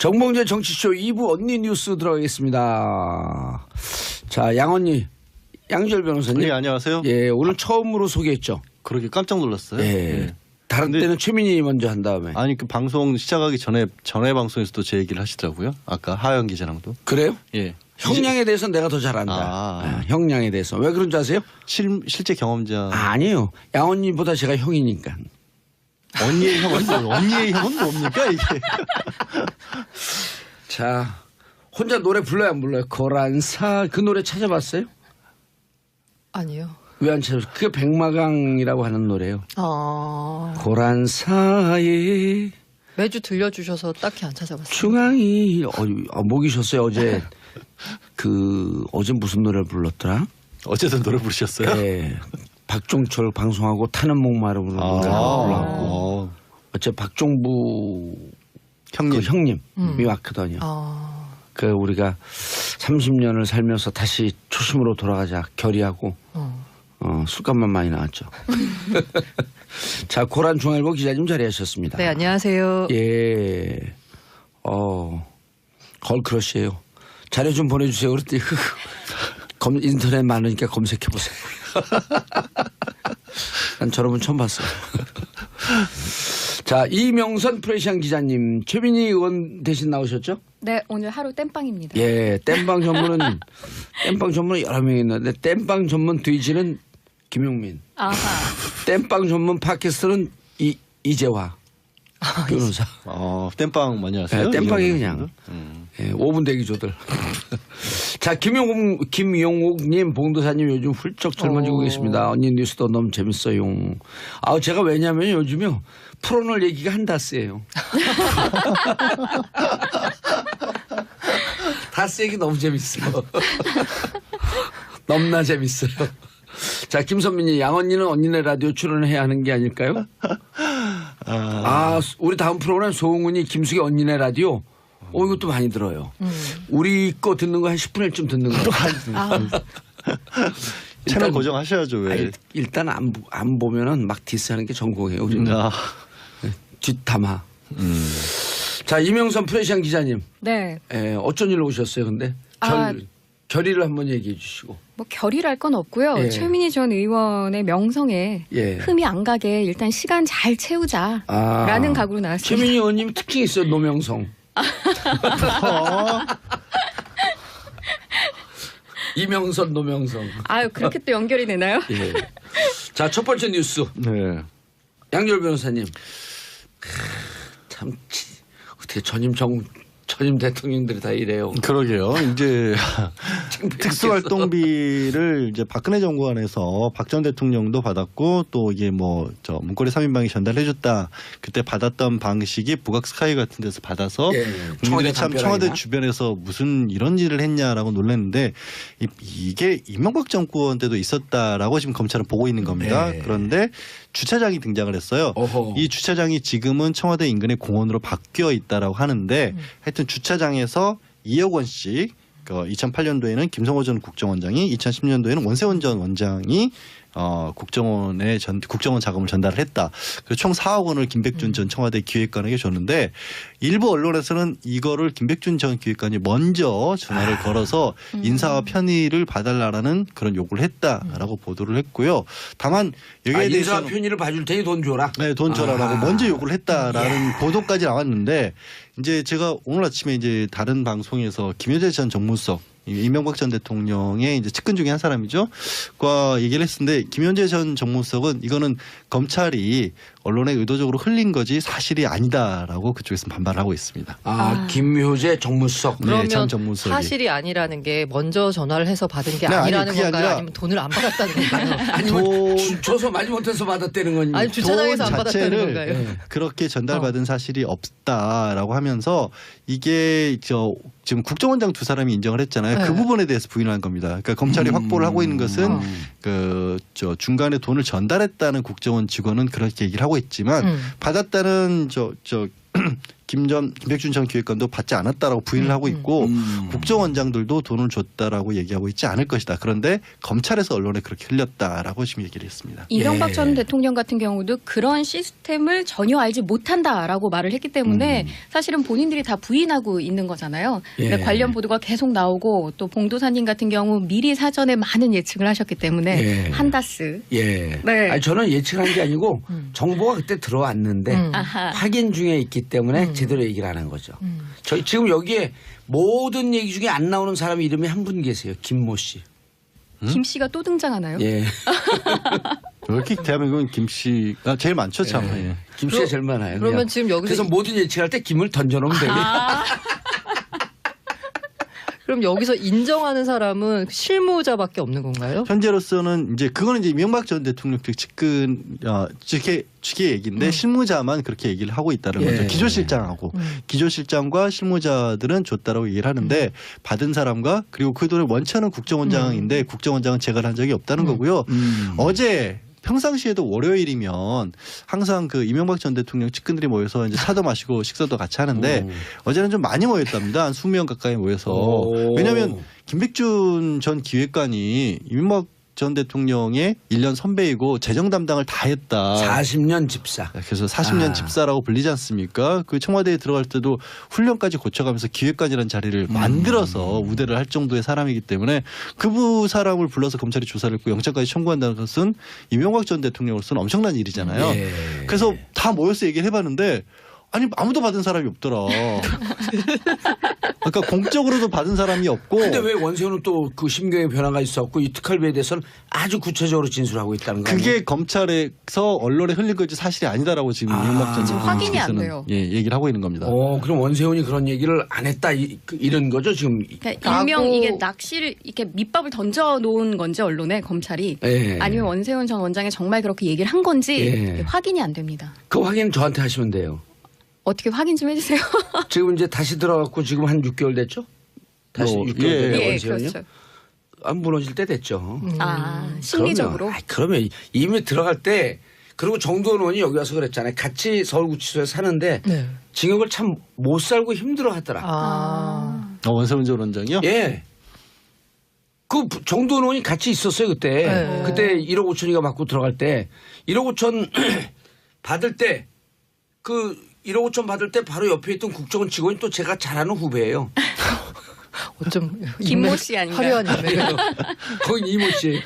정봉재 정치쇼 2부 언니 뉴스 들어가겠습니다. 자, 양언니, 양지열 변호사님. 네, 안녕하세요. 예, 오늘 처음으로 소개했죠. 그러게 깜짝 놀랐어요. 예. 네. 다른 때는 최민희 먼저 한 다음에. 아니 그 방송 시작하기 전에 방송에서도 제 얘기를 하시더라고요. 아까 하영 기자랑도. 그래요? 예. 형량에 대해서 내가 더 잘한다. 아. 형량에 대해서. 왜 그런 줄 아세요? 실제 경험자. 아니에요. 양언니보다 제가 형이니까. 언니의 형은 뭡니까 이게? 자, 혼자 노래 불러요 안 불러요? 거란사 그 노래 찾아봤어요? 아니요. 왜 안 찾아봤어요? 그게 백마강이라고 하는 노래예요. 고란사에 매주 들려주셔서 딱히 안 찾아봤어요. 중앙이 목이 쉬었어요 어제. 어제 무슨 노래를 불렀더라? 어쨌든 노래 부르셨어요? 네. 박종철 방송하고 타는 목마르 부르는 노래를 불렀고 어째 박종부 형님. 그 형님이 왔거든요. 그 우리가 30년을 살면서 다시 초심으로 돌아가자 결의하고 술값만 많이 나왔죠. 자, 고란 중앙일보 기자님 자리하셨습니다. 네, 안녕하세요. 예. 걸크러쉬예요. 자료 좀 보내주세요. 그랬더니 인터넷 많으니까 검색해보세요. 난 저런 분 처음 봤어요. 자, 이명선 프레시안 기자님, 최민희 의원 대신 나오셨죠? 네, 오늘 하루 땜빵입니다. 예, 땜빵 전문은 여러 명이 있는데 땜빵 전문 뒤지는 김용민. 아하. 땜빵 전문 팟캐스트는 이재화 변호사. 땜빵 많이 하세요? 네, 땜빵이 그냥 5분 대기조들. 자, 김용옥님, 봉도사님 요즘 훌쩍 젊어지고 계십니다. 언니 뉴스도 너무 재밌어요. 제가 왜냐면 요즘요 풀어놓을 얘기가 한다스예요. 다스 얘기 너무 재밌어. 너무나 재밌어요. 자, 김선민님, 양언니는 언니네 라디오 출연해야 하는 게 아닐까요? 우리 다음 프로그램 소흥훈이 김숙의 언니네 라디오. 이것도 많이 들어요. 우리 거 듣는 거 한 10분의 1쯤 듣는 거. 채널 고정하셔야죠. 왜? 일단 안 보면은 막 디스하는 게 전공이에요. 우리는. 뒷담화. 자, 이명선 프레시안 기자님. 네. 어쩐 일로 오셨어요, 근데? 결의를 한번 얘기해 주시고. 뭐 결의랄 건 없고요. 예. 최민희 전 의원의 명성에 예. 흠이 안 가게 일단 시간 잘 채우자라는 각오로 나왔습니다. 최민희 의원님 특징이 있어요, 노명성. 이명선, 노명성. 그렇게 또 연결이 되나요? 예. 자, 첫 번째 뉴스. 네. 양열 변호사님. 참 어떻게 전임 대통령들이 다 이래요. 그러게요. 이제 특수활동비를 이제 박근혜 정부 안에서 박 전 대통령도 받았고 또 이게 문고리 3인방이 전달해줬다. 그때 받았던 방식이 북악 스카이 같은 데서 받아서 국민들이 참 청와대 주변에서 무슨 이런 일을 했냐라고 놀랐는데 이게 이명박 정권 때도 있었다라고 지금 검찰은 보고 있는 겁니다. 네. 그런데 주차장이 등장을 했어요. 이 주차장이 지금은 청와대 인근의 공원으로 바뀌어 있다라고 하는데 하여튼 주차장에서 2억 원씩 2008년도에는 김성호 전 국정원장이 2010년도에는 원세훈 전 원장이 국정원 자금을 전달을 했다. 그래서 총 4억 원을 김백준 전 청와대 기획관에게 줬는데 일부 언론에서는 이거를 김백준 전 기획관이 먼저 전화를 걸어서 인사와 편의를 봐달라는 그런 요구를 했다라고 보도를 했고요. 다만 여기에 대해서 인사와 편의를 봐줄 테니 돈 줘라. 네, 돈 줘라라고 먼저 요구를 했다라는 보도까지 나왔는데 이제 제가 오늘 아침에 이제 다른 방송에서 김여재 전 정무수석 이명박 전 대통령의 이제 측근 중에 한 사람이죠. 과 얘기를 했는데 김현재 전 정무수석은 이거는 검찰이 언론에 의도적으로 흘린 거지 사실이 아니다라고 그쪽에서 반발을 하고 있습니다. 김효재 정무수석. 그러면 전 정무수석이. 사실이 아니라는 게 먼저 전화를 해서 받은 게 아니라는 그게 건가요? 아니라 아니면 돈을 안 받았다는 건가요? 아니면 줘서 마지 못해서 받았다는 건지. 아니 주차장에서 안 돈 받았다는 자체를 건가요? 그렇게 전달받은 사실이 없다라고 하면서 이게 지금 국정원장 두 사람이 인정을 했잖아요. 네. 그 부분에 대해서 부인을 한 겁니다. 그러니까 검찰이 확보를 하고 있는 것은 중간에 돈을 전달했다는 국정원 직원은 그렇게 얘기를 하고 있지만 받았다는 김백준 전 기획관도 받지 않았다라고 부인을 하고 있고 국정원장들도 돈을 줬다라고 얘기하고 있지 않을 것이다. 그런데 검찰에서 언론에 그렇게 흘렸다라고 지금 얘기를 했습니다. 이명박 예. 전 대통령 같은 경우도 그런 시스템을 전혀 알지 못한다라고 말을 했기 때문에 사실은 본인들이 다 부인하고 있는 거잖아요. 예. 근데 관련 보도가 계속 나오고 또 봉도사님 같은 경우 미리 사전에 많은 예측을 하셨기 때문에 예. 한다스. 예. 네. 아니, 저는 예측한 게 아니고 정보가 그때 들어왔는데 아하. 확인 중에 있기 때문에 제대로 얘기를 안 한 거죠. 저희 지금 여기에 모든 얘기 중에 안 나오는 사람 이름이 한 분 계세요. 김모 씨. 김 씨가 또 등장하나요? 예. 왜 이렇게 대한민국은 김 씨가 제일 많죠, 참. 예. 김 씨가 제일 많아요. 그러면 그냥. 지금 여기서 그래서 모든 예측할 때 김을 던져놓으면 되게. 그럼 여기서 인정하는 사람은 실무자밖에 없는 건가요? 현재로서는 이제 그거는 이제 이명박 전 대통령 측근 측의 얘기인데 실무자만 그렇게 얘기를 하고 있다는 예. 거죠. 기조실장하고 기조실장과 실무자들은 줬다라고 얘기를 하는데 받은 사람과 그리고 그 돈을 원천은 국정원장인데 국정원장은 제거를 한 적이 없다는 거고요. 어제 평상시에도 월요일이면 항상 그 이명박 전 대통령 측근들이 모여서 이제 차도 마시고 식사도 같이 하는데 어제는 좀 많이 모였답니다. 한 20명 가까이 모여서. 왜냐하면 김백준 전 기획관이 이명박 전 대통령의 1년 선배이고 재정 담당을 다 했다. 40년 집사. 그래서 40년 집사라고 불리지 않습니까? 그 청와대에 들어갈 때도 훈련까지 거쳐가면서 기획관이라는 자리를 만들어서 우대를 할 정도의 사람이기 때문에 그 사람을 불러서 검찰이 조사를 했고 영장까지 청구한다는 것은 이명박 전 대통령으로서는 엄청난 일이잖아요. 예. 그래서 다 모여서 얘기를 해봤는데 아니 아무도 받은 사람이 없더라. 그러니까 공적으로도 받은 사람이 없고. 근데 왜 원세훈은 또 그 심경의 변화가 있었고 이 특활비에 대해서는 아주 구체적으로 진술하고 있다는 거예요? 그게 검찰에서 언론에 흘린 것이 사실이 아니다라고 지금 이명박 전 지금 대통령 확인이 안 측에서는 돼요. 예, 얘기를 하고 있는 겁니다. 그럼 원세훈이 그런 얘기를 안 했다 이런 거죠 지금? 그러니까 일명 이게 낚시를 이렇게 밑밥을 던져 놓은 건지 언론에 검찰이 예. 아니면 원세훈 전 원장이 정말 그렇게 얘기를 한 건지 예. 확인이 안 됩니다. 그 확인 저한테 하시면 돼요. 어떻게 확인 좀 해주세요. 지금 이제 다시 들어갔고 지금 한 6개월 됐죠? 다시 6개월 예. 됐네 예, 원세훈이요? 그렇죠. 안 무너질 때 됐죠. 심리적으로. 그러면 이미 들어갈 때 그리고 정도원 의원이 여기 와서 그랬잖아요. 같이 서울구치소에 사는데 네. 징역을 참 못 살고 힘들어하더라. 원세훈 전 원장이요? 예. 그 정도원 의원이 같이 있었어요 그때. 네. 그때 1억 5천이가 받고 들어갈 때 1억 5천 받을 때 그 1억 5천 받을 때 바로 옆에 있던 국정원 직원이 또 제가 잘 아는 후배예요. 어쩜 김모 씨 아닌가요? 화려한 인맥. 거긴 이모 씨.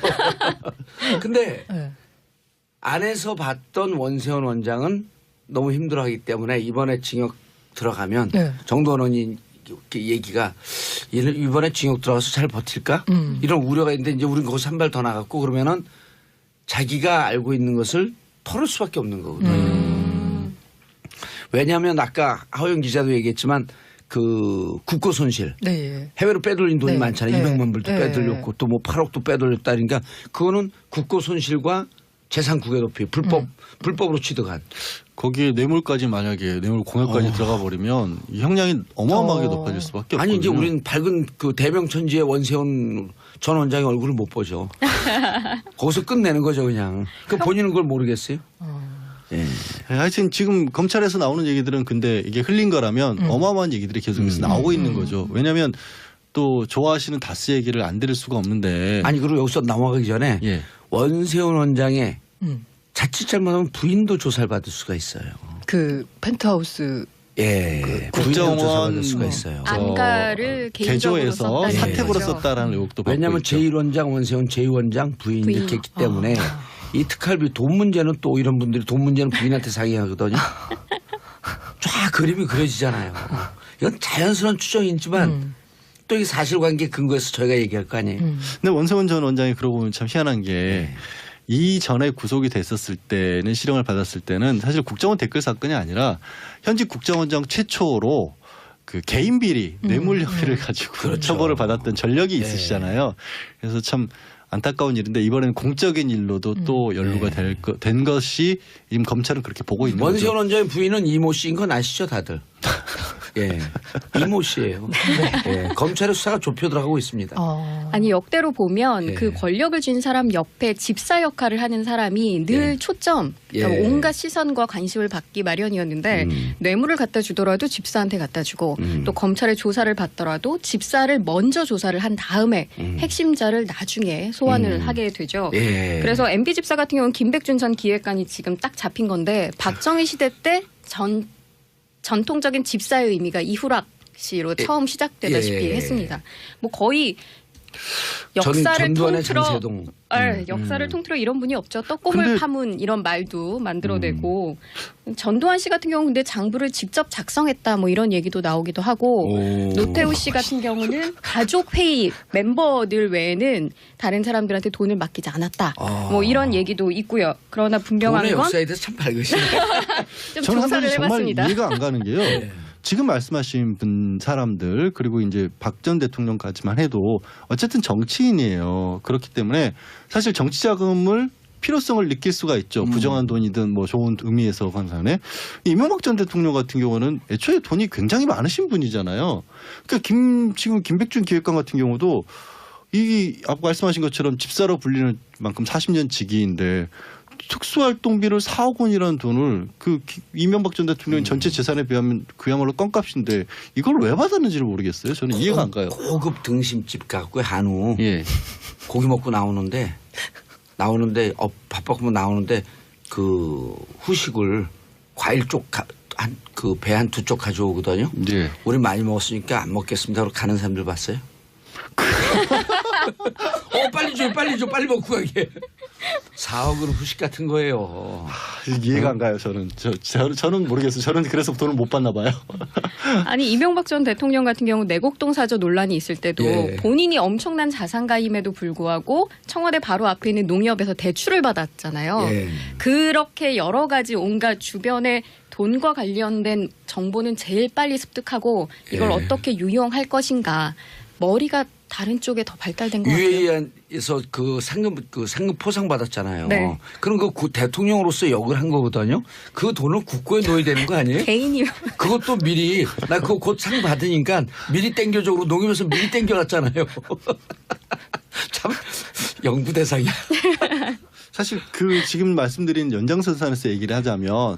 근데 네. 안에서 봤던 원세훈 원장은 너무 힘들어하기 때문에 이번에 징역 들어가면 네. 정도원 의원이 얘기가 이번에 징역 들어가서 잘 버틸까? 이런 우려가 있는데 이제 우리는 거기서 한 발 더 나갔고 그러면은 자기가 알고 있는 것을 털을 수밖에 없는 거거든요. 왜냐하면 아까 하호영 기자도 얘기했지만 그 국고 손실 네. 해외로 빼돌린 돈이 네. 많잖아요. 네. 200만 불도 네. 빼돌렸고 또 뭐 8억도 빼돌렸다 그러니까 그거는 국고 손실과 재산 국외 도피 불법으로 취득한 거기에 뇌물까지 만약에 뇌물 공여까지 들어가 버리면 이 형량이 어마어마하게 높아질 수밖에 없거든요. 아니 이제 우리는 밝은 그 대명천지의 원세훈 전 원장의 얼굴을 못 보죠. 거기서 끝내는 거죠 그냥. 그 본인은 그걸 모르겠어요. 예. 하여튼 지금 검찰에서 나오는 얘기들은 근데 이게 흘린 거라면 어마어마한 얘기들이 계속해서 나오고 있는 거죠. 왜냐하면 또 좋아하시는 다스 얘기를 안 들을 수가 없는데. 아니 그리고 여기서 넘어가기 전에 예. 원세훈 원장의 자칫 잘못하면 부인도 조사를 받을 수가 있어요. 그 펜트하우스 예. 부인도 조사를 국정원 받을 수가 있어요. 안가를 개인적으로 개조해서 썼다는 사택으로 거죠. 썼다라는 의혹도 받고 왜냐하면 있죠. 제1원장 원세훈 제2원장 부인 부인. 이렇게 했기 때문에 이 특활비 돈 문제는 또 이런 분들이 돈 문제는 부인한테 상의하거든요. 쫙 그림이 그려지잖아요. 이건 자연스러운 추정이지만 또 이 사실관계 근거에서 저희가 얘기할 거 아니에요. 근데 원세훈 전 원장이 그러고 보면 참 희한한 게 이전에 구속이 됐었을 때는 실형을 받았을 때는 사실 국정원 댓글 사건이 아니라 현직 국정원장 최초로 그 개인 비리 뇌물 혐의를 가지고 그렇죠. 처벌을 받았던 전력이 있으시잖아요. 그래서 참 안타까운 일인데 이번에는 공적인 일로도 또 연루가 된 것이 지금 검찰은 그렇게 보고 있는 거죠. 원세훈 원장의 부인은 이모 씨인 건 아시죠 다들. 예. 이모 씨예요. 예. 검찰의 수사가 좁혀 들어가고 있습니다. 아니 역대로 보면 예. 그 권력을 쥔 사람 옆에 집사 역할을 하는 사람이 늘 예. 초점, 예. 그러니까 온갖 시선과 관심을 받기 마련이었는데 뇌물을 갖다 주더라도 집사한테 갖다 주고 또 검찰의 조사를 받더라도 집사를 먼저 조사를 한 다음에 핵심자를 나중에 소환을 하게 되죠. 예. 그래서 MB 집사 같은 경우는 김백준 전 기획관이 지금 딱 잡힌 건데 박정희 시대 때 전통적인 집사의 의미가 이후락 씨로 처음 시작되다시피 예. 했습니다. 뭐 거의 역사를 전두환의 통틀어 장세동. 역사를 통틀어 이런 분이 없죠. 떡고물 근데- 파문 이런 말도 만들어내고 전두환 씨 같은 경우 근데 장부를 직접 작성했다 뭐 이런 얘기도 나오기도 하고 오. 노태우 씨 같은 경우는 가족 회의 멤버들 외에는 다른 사람들한테 돈을 맡기지 않았다. 뭐 이런 얘기도 있고요. 그러나 분명한 돈의 건 역사에 대해서 참 밝으시네요. 좀 저는 한 조사를 가지 정말 해봤습니다. 이해가 안 가는 게요. 지금 말씀하신 사람들 그리고 이제 박 전 대통령까지만 해도 어쨌든 정치인이에요. 그렇기 때문에 사실 정치 자금을 필요성을 느낄 수가 있죠. 부정한 돈이든 뭐 좋은 의미에서 관상에 이명박 전 대통령 같은 경우는 애초에 돈이 굉장히 많으신 분이잖아요. 그러니까 지금 김백준 기획관 같은 경우도 아까 말씀하신 것처럼 집사로 불리는 만큼 40년 직위인데 특수활동비를 4억 원이라는 돈을 이명박 전 대통령 전체 재산에 비하면 그야말로 껌값인데 이걸 왜 받았는지를 모르겠어요. 저는 이해가 안 가요. 고급 등심집 가고 한우 예. 고기 먹고 나오는데 바빠보면 나오는데 그 후식을 과일 쪽 그 배 한 두 쪽 가져오거든요. 예. 우리 많이 먹었으니까 안 먹겠습니다. 그러고 가는 사람들 봤어요? 빨리 줘 빨리 먹고 가게. 4억은 후식 같은 거예요. 이해가 안 가요. 저는 모르겠어요. 저는 그래서 돈을 못 받나 봐요. 아니 이명박 전 대통령 같은 경우 내곡동 사저 논란이 있을 때도 예. 본인이 엄청난 자산가임에도 불구하고 청와대 바로 앞에 있는 농협에서 대출을 받았잖아요. 예. 그렇게 여러 가지 온갖 주변에 돈과 관련된 정보는 제일 빨리 습득하고 이걸 예. 어떻게 유용할 것인가 머리가 다른 쪽에 더 발달된 것 같아요. UAE에서 그 상금 포상 받았잖아요. 네. 그럼 그 대통령으로서 역을 한 거거든요. 그 돈을 국고에 넣어야 되는 거 아니에요? 개인이 그것도 미리 나 그거 곧 상 받으니까 미리 땡겨줘. 농협에서 미리 땡겨놨잖아요. 참 영부대상이야. 사실 지금 말씀드린 연장선상에서 얘기를 하자면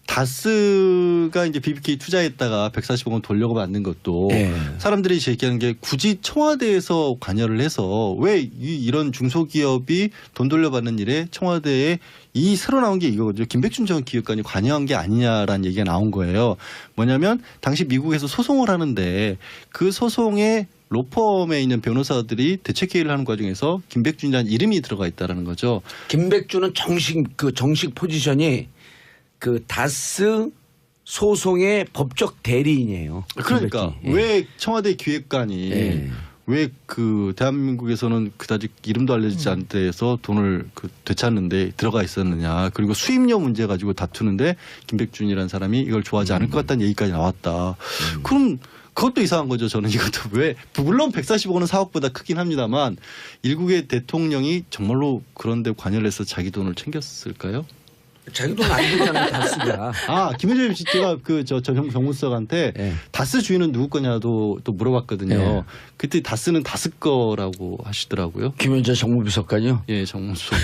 다스가 이제 BBK 투자했다가 140억 원 돌려고 만든 것도 예. 사람들이 제기하는 게 굳이 청와대에서 관여를 해서 왜 이런 중소기업이 돈 돌려받는 일에 청와대에 이 새로 나온 게 이거거든요. 김백준 전 기획관이 관여한 게 아니냐라는 얘기가 나온 거예요. 뭐냐면 당시 미국에서 소송을 하는데 그 소송에 로펌에 있는 변호사들이 대책회의를 하는 과정에서 김백준이라는 이름이 들어가 있다는 거죠. 김백준은 정식 포지션이 그 다스 소송의 법적 대리인이에요. 그러니까 김백준이. 왜 청와대 기획관이 예. 왜 대한민국에서는 그다지 이름도 알려지지 않은 데에서 돈을 되찾는데 들어가 있었느냐. 그리고 수입료 문제 가지고 다투는데 김백준이라는 사람이 이걸 좋아하지 않을 것 같다는 얘기까지 나왔다. 그럼 그것도 이상한 거죠. 저는 이것도 물론 140억 원은 4억보다 크긴 합니다만 일국의 대통령이 정말로 그런데 관여를 해서 자기 돈을 챙겼을까요? 자기 돈 안 되잖아요. 다스가. 김혜재 씨 제가 정무수석한테 예. 다스 주인은 누구 거냐도 또 물어봤거든요. 예. 그때 다스는 다스 거라고 하시더라고요. 김현재 정무비서관이요. 예, 정무수석.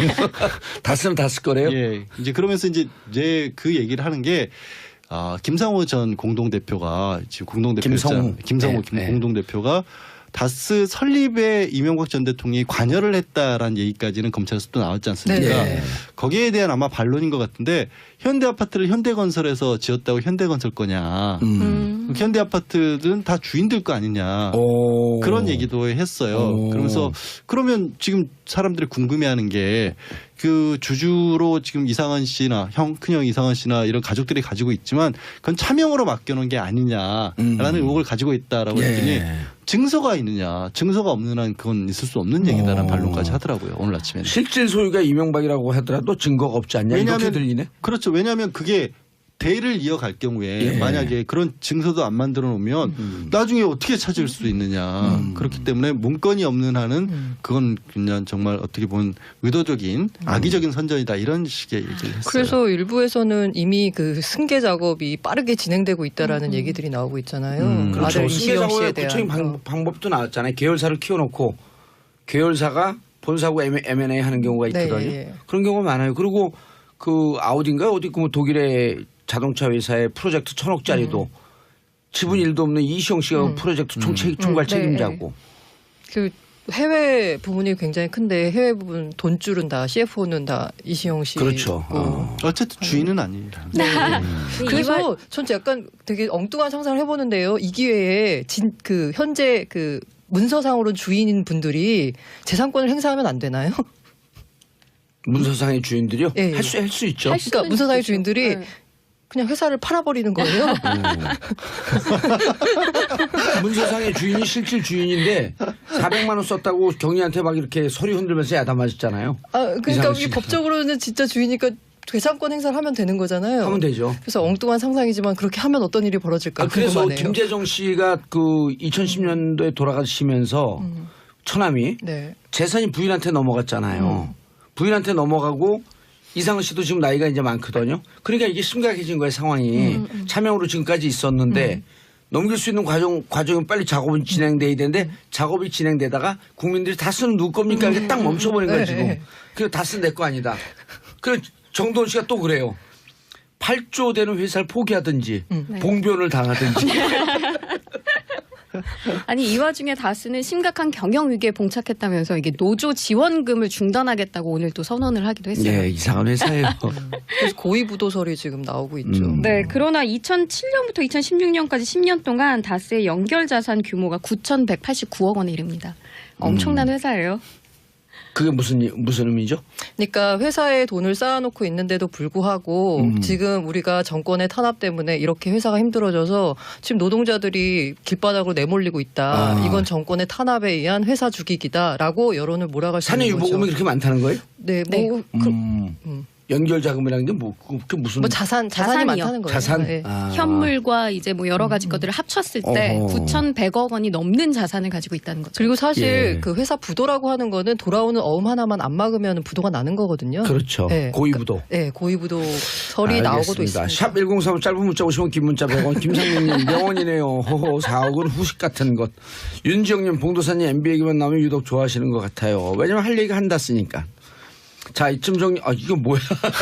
다스는 다스 거래요. 예, 이제 그러면서 이제 그 얘기를 하는 게 김상호 전 공동대표가 지금 공동대표였잖아요. 김상호 네. 공동대표가 다스 설립에 이명박 전 대통령이 관여를 했다라는 얘기까지는 검찰에서 또 나왔지 않습니까? 네. 거기에 대한 아마 반론인 것 같은데 현대아파트를 현대건설에서 지었다고 현대건설 거냐. 현대아파트는 다 주인들 거 아니냐. 오. 그런 얘기도 했어요. 오. 그러면서 그러면 지금 사람들이 궁금해하는 게 그 주주로 지금 이상한 씨나 큰형 이상한 씨나 이런 가족들이 가지고 있지만 그건 차명으로 맡겨놓은 게 아니냐라는 의혹을 가지고 있다라고 예. 했더니 증서가 있느냐. 증서가 없는 한 그건 있을 수 없는 얘기다라는 반론까지 하더라고요. 오늘 아침에는. 실질 소유가 이명박이라고 하더라도 증거가 없지 않냐. 이렇게 들리네. 그렇죠. 왜냐하면 그게 대의를 이어갈 경우에 예. 만약에 그런 증서도 안 만들어 놓으면 나중에 어떻게 찾을 수 있느냐. 그렇기 때문에 문건이 없는 한은 그건 그냥 정말 어떻게 보면 의도적인 악의적인 선전이다 이런 식의 얘기를 했어요. 그래서 일부에서는 이미 그 승계 작업이 빠르게 진행되고 있다라는 얘기들이 나오고 있잖아요. 그렇죠. 아들 승계 이시영 작업의 씨에 대한 구체적인 방법도 나왔잖아요. 계열사를 키워놓고 계열사가 본사하고 M&A 하는 경우가 있거든요. 네. 그런 경우가 많아요. 그리고 그 아우디인가 어디 그 뭐 독일의 자동차 회사의 프로젝트 1,000억짜리도 지분 일도 없는 이시영 씨가 그 프로젝트 총괄 책임자고. 그 해외 부분이 굉장히 큰데 해외 부분 돈줄은 다 CFO는 다 이시영 씨. 그렇죠. 어쨌든 주인은 아니에요. 그래서 전 약간 되게 엉뚱한 상상을 해보는데요. 이 기회에 그 현재 그 문서상으로는 주인인 분들이 재산권을 행사하면 안 되나요? 문서상의 주인들이요? 예, 예. 할 수 있죠. 그러니까 문서상의 있겠죠. 주인들이 네. 그냥 회사를 팔아버리는 거예요. 문서상의 주인이 실질 주인인데 400만 원 썼다고 경리한테 막 이렇게 소리 흔들면서 야단 맞았잖아요. 그러니까 이상한 이 씨가. 법적으로는 진짜 주인이니까 재산권 행사를 하면 되는 거잖아요. 하면 되죠. 그래서 엉뚱한 상상이지만 그렇게 하면 어떤 일이 벌어질까 그래서 궁금하네요. 김재정 씨가 그 2010년도에 돌아가시면서 처남이 네. 재산이 부인한테 넘어갔잖아요. 부인한테 넘어가고 이상은 씨도 지금 나이가 이제 많거든요. 그러니까 이게 심각해진 거예요, 상황이. 차명으로 지금까지 있었는데 넘길 수 있는 과정은 빨리 작업은 진행돼야 되는데 작업이 진행되다가 국민들이 다 쓰는 누구 겁니까? 이렇게 딱 멈춰버린 거예요, 지금. 네. 그래서 다 쓴 내 거 아니다. 그래서 정돈 씨가 또 그래요. 8조 되는 회사를 포기하든지 봉변을 당하든지. 아니 이 와중에 다스는 심각한 경영 위기에 봉착했다면서 이게 노조 지원금을 중단하겠다고 오늘 또 선언을 하기도 했어요. 네, 이상한 회사예요. 그래서 고위부도설이 지금 나오고 있죠. 네, 그러나 2007년부터 2016년까지 10년 동안 다스의 연결 자산 규모가 9,189억 원에 이릅니다. 엄청난 회사예요. 그게 무슨 의미죠? 그러니까 회사에 돈을 쌓아놓고 있는데도 불구하고 지금 우리가 정권의 탄압 때문에 이렇게 회사가 힘들어져서 지금 노동자들이 길바닥으로 내몰리고 있다. 이건 정권의 탄압에 의한 회사 죽이기다라고 여론을 몰아갈 수 사내 있는 거죠. 유보금이 그렇게 많다는 거예요? 네, 네. 뭐, 연결 자금이라는 게 뭐, 그게 무슨 뭐 자산이 자산이요. 많다는 거예요. 자산? 네. 아. 현물과 이제 뭐 여러 가지 것들을 합쳤을 때 어허. 9,100억 원이 넘는 자산을 가지고 있다는 거죠. 그리고 사실 예. 그 회사 부도라고 하는 거는 돌아오는 어음 하나만 안 막으면 부도가 나는 거거든요. 그렇죠. 네. 고위부도. 네, 고위부도 설이 나오고도 있습니다. 샵 1035 짧은 문자 50원 긴 문자 100원 김상민님 명언이네요. 호호 4억은 후식 같은 것. 윤지영님 봉도사님 MB 얘기만 나오면 유독 좋아하시는 것 같아요. 왜냐면 할 얘기가 한다 쓰니까. 자 이쯤 정리. 이거 뭐야?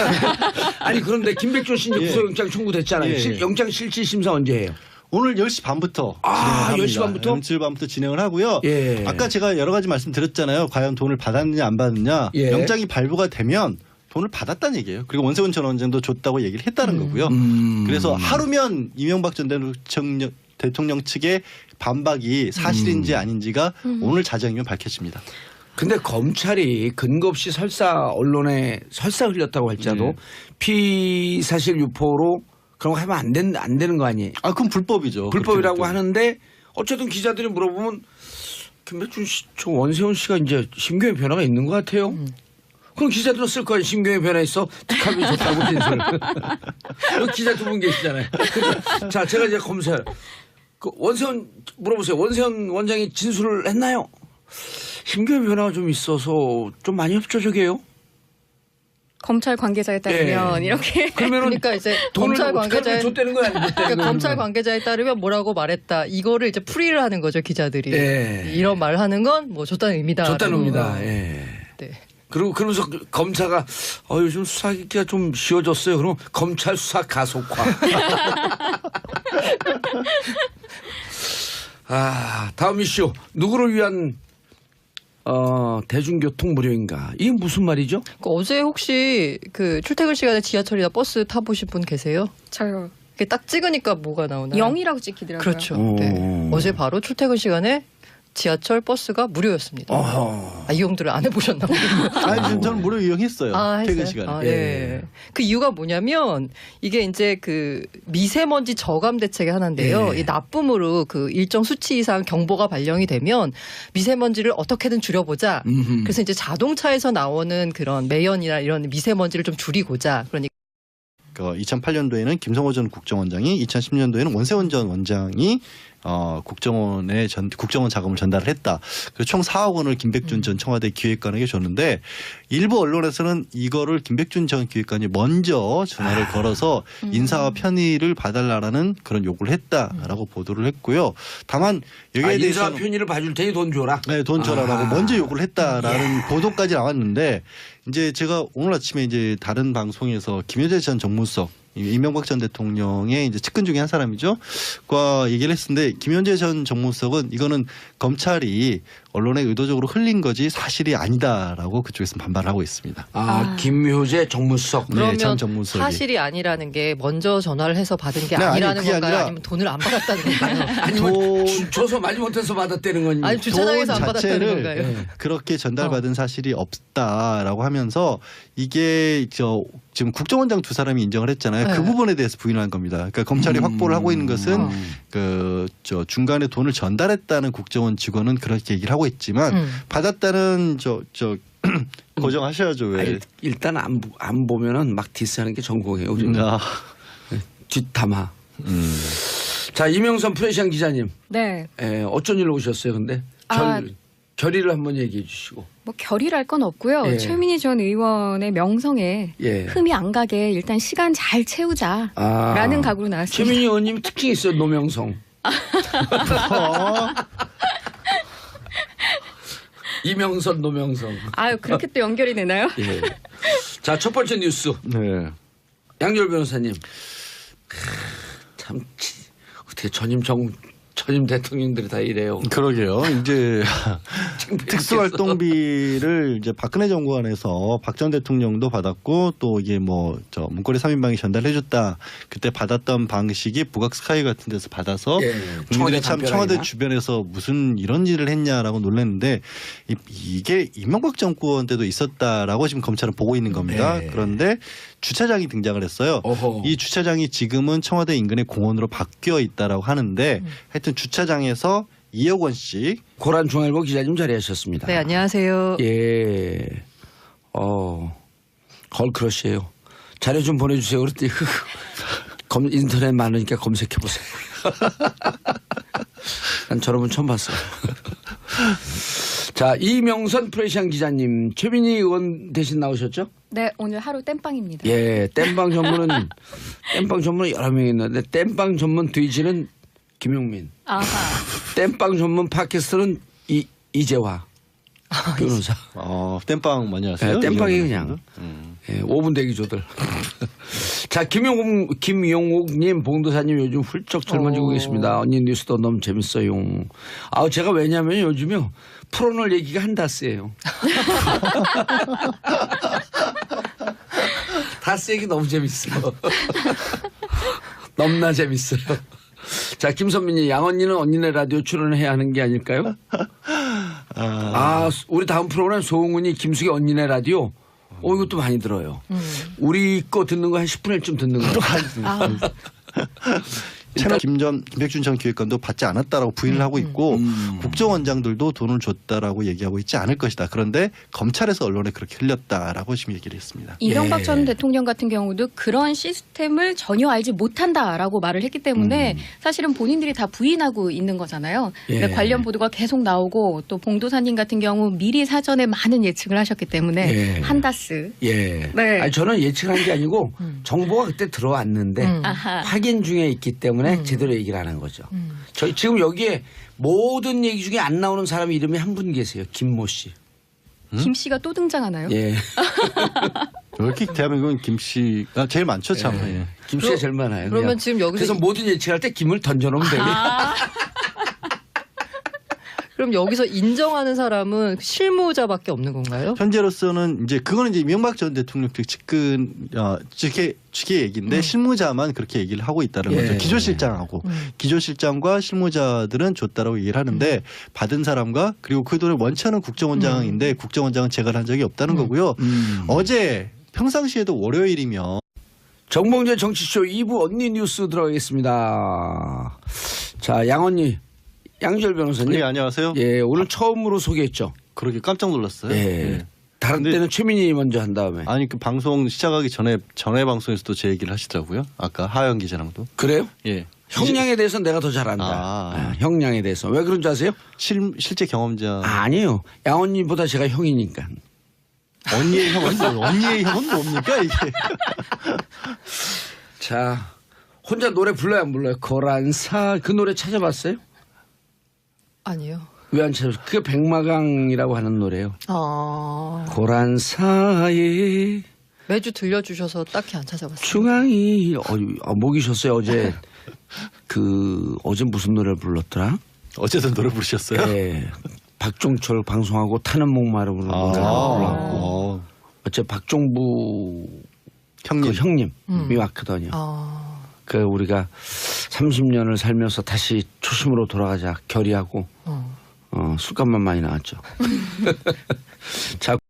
아니 그런데 김백준 씨 이제 예. 구속영장 청구됐잖아요. 예. 영장 실질 심사 언제 해요? 오늘 10시 반부터 아, 진행을 10시 반부터? 10시 반부터 진행을 하고요. 예. 아까 제가 여러 가지 말씀드렸잖아요. 과연 돈을 받았느냐 안 받았느냐. 예. 영장이 발부가 되면 돈을 받았다는 얘기예요. 그리고 원세훈 전 원장도 줬다고 얘기를 했다는 거고요. 그래서 하루면 이명박 전 대통령 측의 반박이 사실인지 아닌지가 오늘 자정이면 밝혀집니다. 근데 검찰이 근거 없이 언론에 설사 흘렸다고 할지라도 피사실 유포로 그런 거 하면 안 되는 거 아니에요? 그건 불법이죠. 불법이라고 그렇게 하는데 어쨌든 기자들이 물어보면 김백준 씨, 저 원세훈 씨가 이제 심경의 변화가 있는 것 같아요. 그럼 기자들은 쓸 거예요. 심경의 변화 있어. 특합이 좋다고 진술. 여기 기자 두 분 계시잖아요. 자, 제가 이제 검사를. 원세훈 물어보세요. 원세훈 원장이 진술을 했나요? 심경의 변화가 좀 있어서 좀 많이 협조적이에요. 검찰 관계자에 따르면 이렇게 그러면은 그러니까 이제 돈을 검찰 관계자에 줬다는 거야, 못 그러니까 검찰 관계자에 따르면 뭐라고 말했다. 이거를 이제 풀이를 하는 거죠 기자들이. 예. 이런 말 하는 건 뭐 줬다는 의미다. 줬다는 의미다. 예. 네. 그리고 그러면서 검사가 요즘 수사기가 좀 쉬워졌어요. 그럼 검찰 수사 가속화. 다음 이슈 누구를 위한 대중교통 무료인가? 이게 무슨 말이죠? 어제 혹시 그 출퇴근 시간에 지하철이나 버스 타보신 분 계세요? 저요. 이게 딱 찍으니까 뭐가 나오나요? 0이라고 찍히더라고요. 그렇죠. 네. 어제 바로 출퇴근 시간에 지하철 버스가 무료였습니다. 이용들을 안 해보셨나 보네요. 저는 무료 이용했어요. 퇴근 했어요? 시간에. 네. 그 이유가 뭐냐면 이게 이제 그 미세먼지 저감 대책의 하나인데요. 예. 이 나쁨으로 그 일정 수치 이상 경보가 발령이 되면 미세먼지를 어떻게든 줄여보자. 그래서 이제 자동차에서 나오는 그런 매연이나 이런 미세먼지를 좀 줄이고자. 그러니까 2008년도에는 김성호 전 국정원장이 2010년도에는 원세훈 전 원장이 국정원 자금을 전달을 했다. 그래서 총 4억 원을 김백준 전 청와대 기획관에게 줬는데 일부 언론에서는 이거를 김백준 전 기획관이 먼저 전화를 걸어서 인사와 편의를 봐달라는 그런 요구를 했다라고 보도를 했고요. 다만 여기에 인사와 대해서는 편의를 봐줄 테니 돈 줘라. 네, 돈 줘라라고 먼저 요구를 했다라는 보도까지 나왔는데 이제 제가 오늘 아침에 이제 다른 방송에서 김여재 전 정무수석 이명박 전 대통령의 이제 측근 중에 한 사람이죠. 과 얘기를 했는데 김현재 전 정무수석은 이거는 검찰이 언론에 의도적으로 흘린 거지 사실이 아니다라고 그쪽에서 반발하고 있습니다. 김효재 정무수석. 그러면 네, 전 정무수석이. 사실이 아니라는 게 먼저 전화를 해서 받은 게 네, 아니, 아니라는 그게 건가요? 아니라- 아니면 돈을 안 받았다는 건가요? 아니면 줘서 말지 못해서 받았다는 건지. 아니 주차장에서 안 돈 받았다는 자체를 건가요? 그렇게 전달받은 사실이 없다라고 하면서 이게 지금 국정원장 두 사람이 인정을 했잖아요. 네. 그 부분에 대해서 부인한 겁니다. 그러니까 검찰이 확보를 하고 있는 것은 중간에 돈을 전달했다는 국정원 직원은 그렇게 얘기를 하고 있지만 받았다는 고정하셔야죠. 왜? 일단 안 보면은 막 디스하는 게 전공이에요. 우리는. 뒷담화. 자, 이명선 프레시안 기자님. 네. 어쩐 일로 오셨어요, 근데? 결의를 한번 얘기해 주시고. 뭐 결의랄 건 없고요. 예. 최민희 전 의원의 명성에 예. 흠이 안 가게 일단 시간 잘 채우자라는 각오로 나왔습니다. 최민희 의원님 특징이 있어요, 노명성. 이명선, 노명성. 아유 그렇게 또 연결이 되나요? 예. 자, 첫 번째 뉴스. 네. 양열 변호사님. 참, 어떻게 전임 대통령들이 다 이래요. 그러게요. 이제 창피했겠어. 특수활동비를 이제 박근혜 정부 안에서 박 전 대통령도 받았고 또 이게 문고리 3인방이 전달해줬다. 그때 받았던 방식이 북악 스카이 같은 데서 받아서 예, 국민들이 참 담벼락이나. 청와대 주변에서 무슨 이런 일을 했냐라고 놀랐는데 이게 이명박 정권 때도 있었다라고 지금 검찰은 보고 있는 겁니다. 예. 그런데 주차장이 등장을 했어요. 어허. 이 주차장이 지금은 청와대 인근의 공원으로 바뀌어 있다라고 하는데 하여튼 주차장에서 2억 원씩 고란중앙일보 기자님 자리하셨습니다. 네, 안녕하세요. 예. 걸크러쉬예요. 자료 좀 보내주세요. 그랬더니 인터넷 많으니까 검색해보세요. 난 저런 분 처음 봤어요. 자, 이명선 프레시안 기자님, 최민희 의원 대신 나오셨죠? 네 오늘 하루 땜빵입니다. 예, 땜빵 전문은 여러 명 있는데 땜빵 전문 뒤지는 김용민, 아하. 땜빵 전문 팟캐스트는 이재화 변호사. 땜빵 많이 하세요? 네, 땜빵이 이 그냥. 정도면? 5분 대기조들. 자, 김용옥님, 봉도사님 요즘 훌쩍 젊어지고 계십니다. 언니 뉴스도 너무 재밌어요. 제가 왜냐면 요즘요 프로널 얘기가 한다스예요. 다스 얘기 너무 재밌어. 너무나 재밌어요. 자, 김선민님, 양언니는 언니네 라디오 출연해야 하는 게 아닐까요? 우리 다음 프로그램 소흥훈이 김숙의 언니네 라디오. 이것도 많이 들어요. 우리 거 듣는 거 한 10분의 1쯤 듣는 거. 채널 김백준 전 기획관도 받지 않았다라고 부인을 하고 있고 국정원장들도 돈을 줬다라고 얘기하고 있지 않을 것이다. 그런데 검찰에서 언론에 그렇게 흘렸다라고 지금 얘기를 했습니다. 이명박 예. 전 대통령 같은 경우도 그런 시스템을 전혀 알지 못한다라고 말을 했기 때문에 사실은 본인들이 다 부인하고 있는 거잖아요. 예. 근데 관련 보도가 계속 나오고 또 봉도사님 같은 경우 미리 사전에 많은 예측을 하셨기 때문에 예. 한다스. 예. 네. 아니, 저는 예측한 게 아니고 정보가 그때 들어왔는데 아하. 확인 중에 있기 때문에 제대로 얘기를 하는 거죠. 저희 지금 여기에 모든 얘기 중에 안 나오는 사람 이름이 한 분 계세요. 김모 씨. 김 씨가 또 등장하나요? 예. 왜 이렇게 대한민국은 김씨가 제일 많죠, 참. 예. 김 씨가 제일 많아요. 그러면 그냥. 지금 여기서 그래서 모든 예측할 때 김을 던져놓으면 되게. 그럼 여기서 인정하는 사람은 실무자밖에 없는 건가요? 현재로서는 이제 그거는 이제 이명박 전 대통령 측 측근 측의 얘기인데 실무자만 그렇게 얘기를 하고 있다는 예. 거죠. 기조실장하고 기조실장과 실무자들은 줬다라고 얘기를 하는데 받은 사람과 그리고 그 돈을 원치하는 국정원장인데 국정원장은 제거한 적이 없다는 거고요. 어제 평상시에도 월요일이면 정봉재 정치쇼 2부 언니 뉴스 들어가겠습니다. 자, 양언니, 양지열 변호사님. 네, 안녕하세요. 예, 오늘 처음으로 소개했죠. 그러게 깜짝 놀랐어요. 예. 예. 다른 근데- 때는 최민희 먼저 한 다음에. 아니 그 방송 시작하기 전에 방송에서도 제 얘기를 하시더라고요. 아까 하영 기자랑도. 그래요? 예. 형량에 대해서 내가 더 잘한다. 아. 형량에 대해서. 왜 그런 줄 아세요? 실제 경험자. 아니에요. 양언니보다 제가 형이니까. 언니의 형은 뭡니까 이게? 자, 혼자 노래 불러요 안 불러요? 거란사 그 노래 찾아봤어요? 아니요. 왜 안 찾아봤어요? 그게 백마강이라고 하는 노래예요. 고란사에 매주 들려주셔서 딱히 안 찾아봤어요. 중앙이 목이 쉬었어요 어제. 어제 무슨 노래를 불렀더라? 어제도 노래 부르셨어요? 네. 박종철 방송하고 타는 목마르 부르는 노래를 불렀고 어째 박종부 형님. 그 형님이 왔거든요. 그 우리가 30년을 살면서 다시 초심으로 돌아가자 결의하고 술값만 많이 나왔죠. 자.